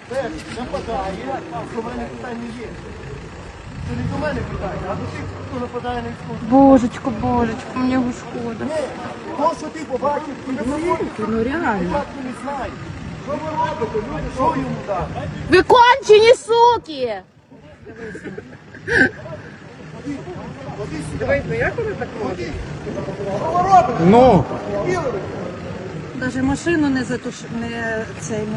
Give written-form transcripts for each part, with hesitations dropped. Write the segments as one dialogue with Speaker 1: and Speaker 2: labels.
Speaker 1: нападає, до мене питань не є. Це не до мене питання, а до тих, хто нападає на військову.
Speaker 2: Божечко, божечко, мені його шкода.
Speaker 1: То, що ти побачив, ти не знаєш.
Speaker 2: Ну реально.
Speaker 1: Спочатку не знаєш. Що ви робите, люди, що йому дати?
Speaker 2: Ви кончені суки!
Speaker 3: Ну,
Speaker 2: Даже машину не не цей не.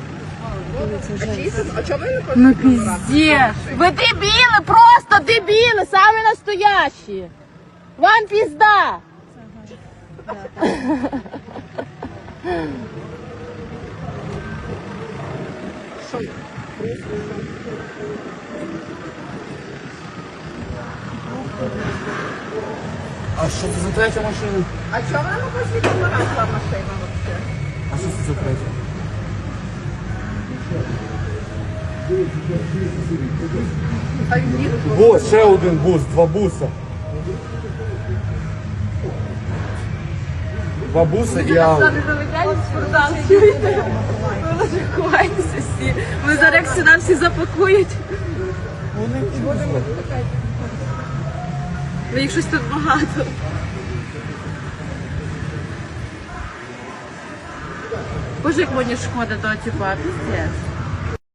Speaker 2: Ну пиздец. Ви дебіли, просто дебіли, самі настоящі. Вам пізда.
Speaker 3: а що це за третя машина?
Speaker 4: А чого вона не посвітила машина взагалі?
Speaker 3: А що це за третя? Бус, ще один бус, два буса. Два буса і ауто.
Speaker 2: Ми зараз як сюди всі запакують. Бо їх щось тут багато. Боже, як мені шкода того типа, піздець.